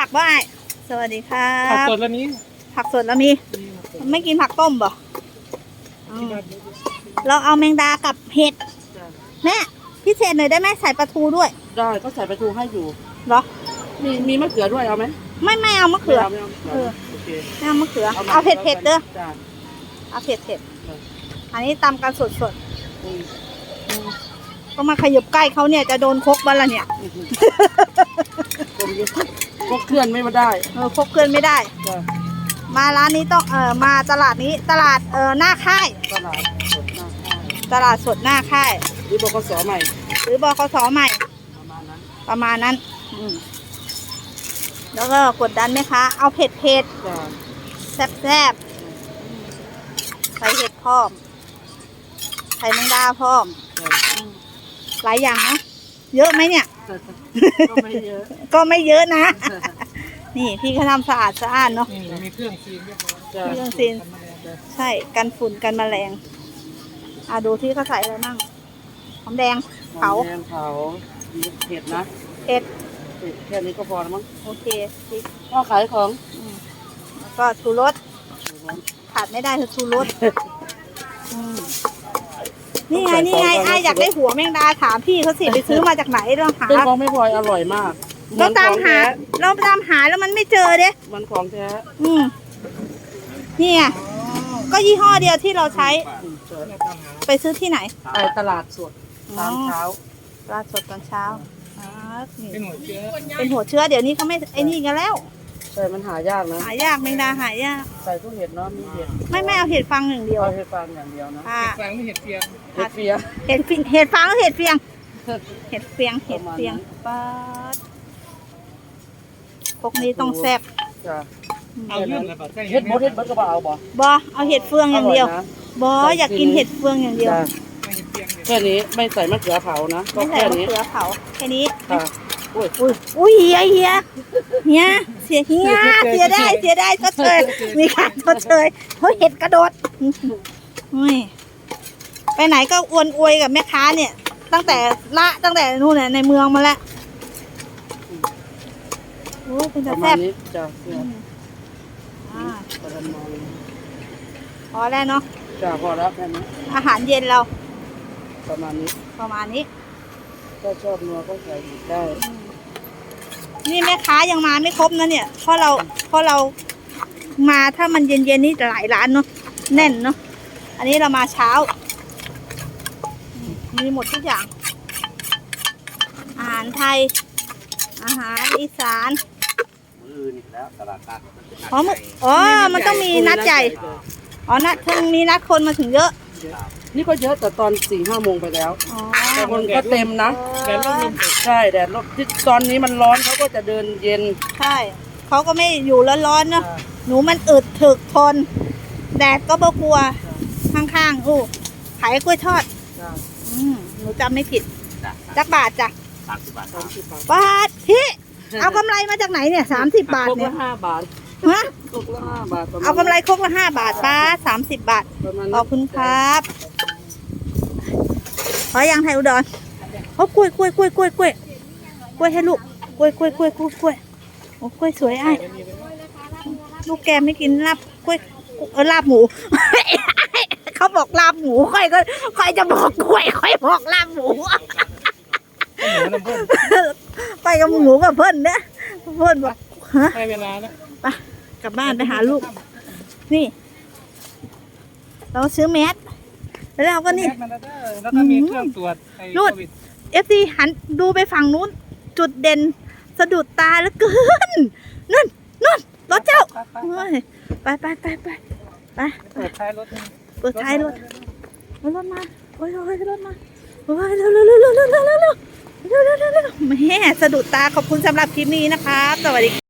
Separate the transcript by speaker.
Speaker 1: กบ่ายสวัสดีค่ะ
Speaker 2: ผักสดแล้วนี้
Speaker 1: ผักสดแล้วมีไม่กินผักต้มบ่เราเอาแมงดากับเห็ดแม่พิเศษหน่อยได้ไหมใส่ปลาทูด้วย
Speaker 3: ได้ก็ใส่ปลาทูให้อยู่
Speaker 1: เหรอ
Speaker 3: มีมะเขือด้วยเอาไหม
Speaker 1: ไม่เอามะเขือ
Speaker 3: ไม่
Speaker 1: เอามะเขือเอาเผ็ดเด้อเอาเผ็ดอันนี้ตำกันสดก็มาขยับใกล้เขาเนี่ยจะโดนคกบ้านละเนี่ย
Speaker 3: คกเคลื่อนไม่ได้
Speaker 1: คกเคลื่อนไม่ได้มาร้านนี้ต้องมาตลาดนี้ตลาดหน้าค่ายตลาดสดหน้าค่าย
Speaker 3: หรือบกสใหม่
Speaker 1: ใหม่ประมาณนั้นแล้วก็กดดันไหมคะเอาเผ็ดแซ่บใส่เห็ดพร้อมใส่แมงดาพร้อมหลายอย่างนะเยอะไหมเนี่ย
Speaker 3: ก็ไม่เยอะ
Speaker 1: นะนี่พี่เขาทำสะอาดเนาะ
Speaker 2: มีเครื่องซีนเรียบร้อย
Speaker 1: เครื่องซีนใช่กันฝุ่นกันแมลงดูที่เขาใส่อะไรมั่งหอมแดงเผา
Speaker 3: เห็ดนะ
Speaker 1: เห็ด
Speaker 3: แค่นี้ก็พอแล้วมั้ง
Speaker 1: โอเค
Speaker 3: พ่อขายของ
Speaker 1: แล้วก็ชูรสขาดไม่ได้คือชูรสนี่ไงอยากได้หัวแมงดาถามพี่เขาสิไปซื้อมาจากไหนเราหา
Speaker 3: เป็นของไม่พลอยอร่อยมาก
Speaker 1: เราตามหาแล้วมันไม่เจอเด้
Speaker 3: มันของแท้
Speaker 1: นี่ไงก็ยี่ห้อเดียวที่เราใช้ไปซื้อที่ไหน
Speaker 3: ตลาดสดตอนเช้า
Speaker 1: ตลาดสดตอนเช้า
Speaker 2: เป็นหัวเ
Speaker 1: ชื้อเดี๋ยวนี้เขาไม่ไอ้นี่กันแล้ว
Speaker 3: ใช่มันหายากนะ
Speaker 1: หายากแมงดาหายาก
Speaker 3: ใส่ทุกเห็ดเนาะมีเห็ด
Speaker 1: ไม่เอาเห็ดฟางอย่างเดียว
Speaker 3: เอาเห็ดฟางอย่างเดียวนะ
Speaker 2: เห็ดฟางไม่เห็ดเฟียง
Speaker 1: เห็ดฟางก็เห็ดเฟียงป๊าดพวกนี้ต้องแซ่บ
Speaker 2: เอาเรื่องอะไรบ้าง
Speaker 3: เห็ดบดก็เอา
Speaker 1: เอาเห็ดเฟืองอย่างเดียวอยากกินเห็ดเฟืองอย่างเดียว
Speaker 3: แค่นี้ไม่ใส่มะเขือเผานะ
Speaker 1: ไม่ใส่มะเขือเผาแค่นี้
Speaker 3: อุ้ย
Speaker 1: เฮียเสียได้ชดเชยมีการชดเชยเพราะเห็ดกระโดดไปไหนก็อวยกับแม่ค้าเนี่ยตั้งแต่นู่นน่ะในเมืองมาแล้วโอ้เป็นจะแซ่บพอแล้วเนาะ
Speaker 3: พอแล้วแค่นี้
Speaker 1: อาหารเย็นเรา
Speaker 3: ประมาณนี้ก็ชอบนัวก็ใส่ได้
Speaker 1: นี่แม่ค้ายังมาไม่ครบนะเนี่ยเพราะเรามาถ้ามันเย็นนี่หลายร้านเนาะแน่นเนาะอันนี้เรามาเช้ามีหมดทุกอย่างอาหารไทยอาหารอีสานมันต้องมีนัดใหญ่ถึงมีนัดคนมาถึงเยอะ
Speaker 3: นี่ก็เยอะแต่ตอน4-5 โมงไปแล้วแต่คนก็เต็มนะใช่แดดร่มที่ตอนนี้มันร้อนเขาก็จะเดินเย็น
Speaker 1: ใช่เขาก็ไม่อยู่ร้อนๆเนาะหนูมันอึดถึกทนแดดก็บ่กลัวข้างๆขายกล้วยทอดหนูจำไม่ผิดจักบาทจ้ะ30 บาทที่เอากำไรมาจากไหนเนี่ย30 บาทเนี่ย
Speaker 3: 5 บาท
Speaker 1: ฮะเอากำไรครกละ5 บาทป้า30 บาทขอบคุณครับขอยังไทยอุดรกล้วยให้ลูกกล้วยโอ้กล้วยสวยลูกแกไม่กินลาบกล้วยลาบหมูเขาบอกลาบหมูค่อยจะบอกกล้วยค่อยบอกลาบหมูไปกับหมูกับเพื่อนเนี่ยเพื่อนบอกฮะ
Speaker 2: ให้เวลาแล้ว
Speaker 1: ไปกลับบ้านไปหาลูกนี่เราซื้อแมสแล้วเราก็นี่
Speaker 2: แล้วก็มีเครื่องตรวจ
Speaker 1: รูดFC หันดูไปฝั่งนู้นจุดเด่นสะดุดตาแล้วเกินนั่นรถเจ้าไปเปิดท้ายรถมาโอ้ยรถมาโอ้ยเร็วแม่สะดุดตาขอบคุณสำหรับคลิปนี้นะคะสวัสดี